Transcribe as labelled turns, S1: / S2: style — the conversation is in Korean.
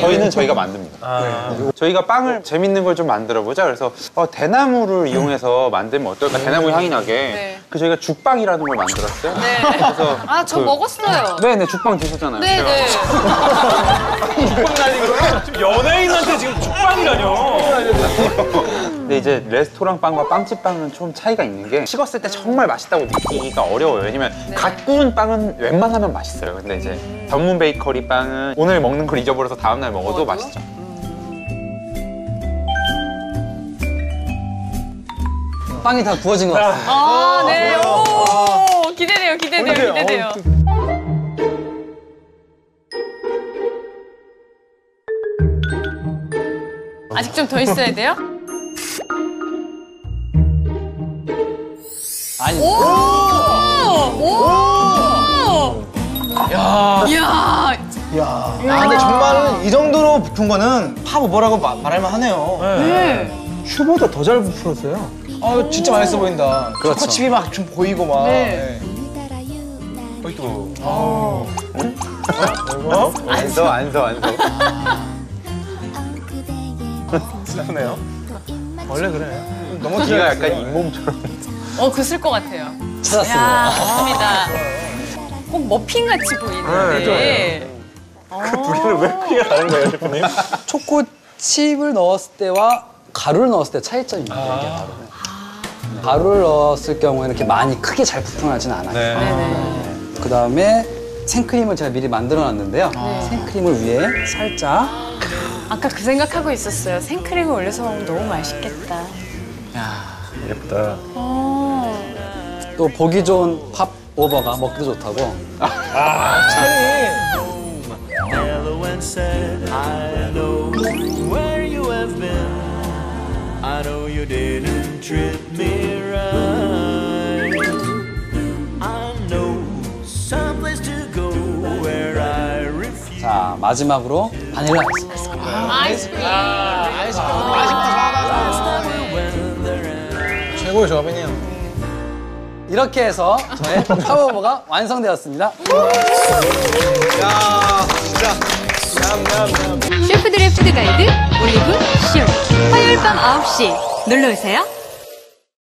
S1: 저희는 저희가 만듭니다. 네. 저희가 빵을 재밌는 걸 좀 만들어보자. 그래서 대나무를 이용해서 만들면 어떨까? 대나무 향이 나게.
S2: 네.
S1: 그 저희가 죽빵이라는 걸 만들었어요.
S2: 네.
S1: 그래서
S2: 저 먹었어요.
S1: 네네, 죽빵 드셨잖아요.
S2: 네네.
S3: 죽빵 날린 거예요? 지금 연예인한테 지금 죽빵이라뇨.
S1: 근데 이제 레스토랑 빵과 빵집 빵은 좀 차이가 있는 게 식었을 때 정말 맛있다고 느끼기가 어려워요. 왜냐면 갓 구운 빵은 웬만하면 맛있어요. 근데 이제 전문 베이커리 빵은 오늘 먹는 걸 잊어버려서 다음날 먹어도 맛있죠.
S4: 빵이 다 구워진 것 같습니다.
S2: 네. 오, 기대돼요, 기대돼요, 기대돼요. 아직 좀 더 있어야 돼요?
S4: 아니.
S5: 야, 근데 정말 이 정도로 부푼 거는 팝 오버라고 말할만 하네요.
S2: 네.
S5: 슈보다 더 잘 부풀었어요. 진짜 맛있어 보인다.
S4: 그렇죠.
S5: 초코칩이 막 좀 보이고 막.
S2: 네.
S3: 어이 또.
S1: 안 서.
S3: 슬프네요.
S5: 원래 그래.
S1: 너무 귀가 약간 잇몸처럼.
S2: 그슬 것 같아요.
S4: 찾았습니다.
S2: 야, 좋습니다. 꼭 머핀같이 보이는데.
S3: 둘이는 왜 크게 다른 거예요, 셰프님?
S4: 초코칩을 넣었을 때와 가루를 넣었을 때 차이점이 있는데 이게 가루는. 가루를 넣었을 경우에는 이렇게 많이 크게 잘 부풀어나지는 않아요.
S2: 네네.
S4: 그 다음에 생크림을 제가 미리 만들어 놨는데요. 생크림을 위에 살짝.
S2: 아까 그 생각하고 있었어요. 생크림을 올려서 먹으면 너무 맛있겠다.
S3: 예쁘다.
S4: 또 보기 좋은 팝 오버가 먹기도 좋다고.
S6: Hello and said, I know where you have been. I know you didn't treat me right. I know someplace to go where I refuse.
S4: 자, 마지막으로 바닐라 아이스크림.
S5: 최고의 조합이네요.
S4: 이렇게 해서 저의 팝 오버가 완성되었습니다.
S5: 야, 진짜. 냠냠냠.
S7: 셰프들의 푸드 가이드 올리브 쇼 화요일 밤 9시 놀러오세요.